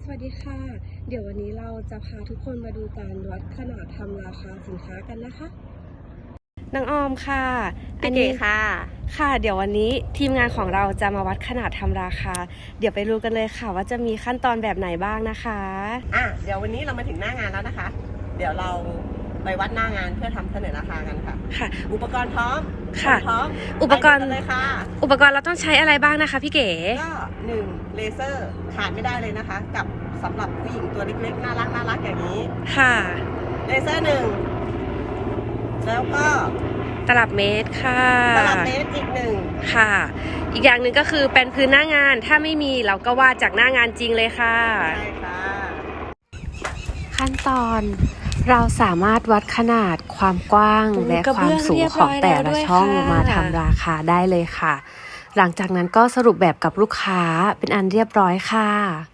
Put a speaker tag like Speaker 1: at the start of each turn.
Speaker 1: สวัสดีค่ะเดี๋ยววันนี้เราจะพาทุกคนมาดูการวัดขนาดทำราคาสินค้ากันนะคะนางออมค่ะ
Speaker 2: พี่เก๋ค่ะ
Speaker 1: ค่ะเดี๋ยววันนี้ทีมงานของเราจะมาวัดขนาดทำราคาเดี๋ยวไปรู้กันเลยค่ะว่าจะมีขั้นตอนแบบไหนบ้างนะคะ
Speaker 2: เดี๋ยววันนี้เรามาถึงหน้างานแล้วนะคะเดี๋ยวเราไปวัดหน้างานเพื่อทำเสนอราคากันค่ะ
Speaker 1: ค่ะ
Speaker 2: อุปกรณ์พร้อม
Speaker 1: ค่ะ
Speaker 2: พร้อม
Speaker 1: อุปกรณ์
Speaker 2: เลยค่ะ
Speaker 1: อุปกรณ์เราต้องใช้อะไรบ้างนะคะพี่เก๋
Speaker 2: ก็1เลเซอร์ขาดไม่ได้เลยนะคะกับสำหรับผู้หญิงตัวเล็กๆน่ารักอย่างนี้
Speaker 1: ค่ะ
Speaker 2: เลเซอร์1แล้วก็
Speaker 1: ตลับเมตรค่ะ
Speaker 2: ตลับเมตรอีก1
Speaker 1: ค่ะอีกอย่างหนึ่งก็คือเป็นพื้นหน้างานถ้าไม่มีเราก็วาดจากหน้างานจริงเลยค่ะ
Speaker 2: ใช่ค่ะ
Speaker 1: ขั้นตอนเราสามารถวัดขนาดความกว้างและความสูงของแต่ละช่องมาทำราคาได้เลยค่ะหลังจากนั้นก็สรุปแบบกับลูกค้าเป็นอันเรียบร้อยค่ะ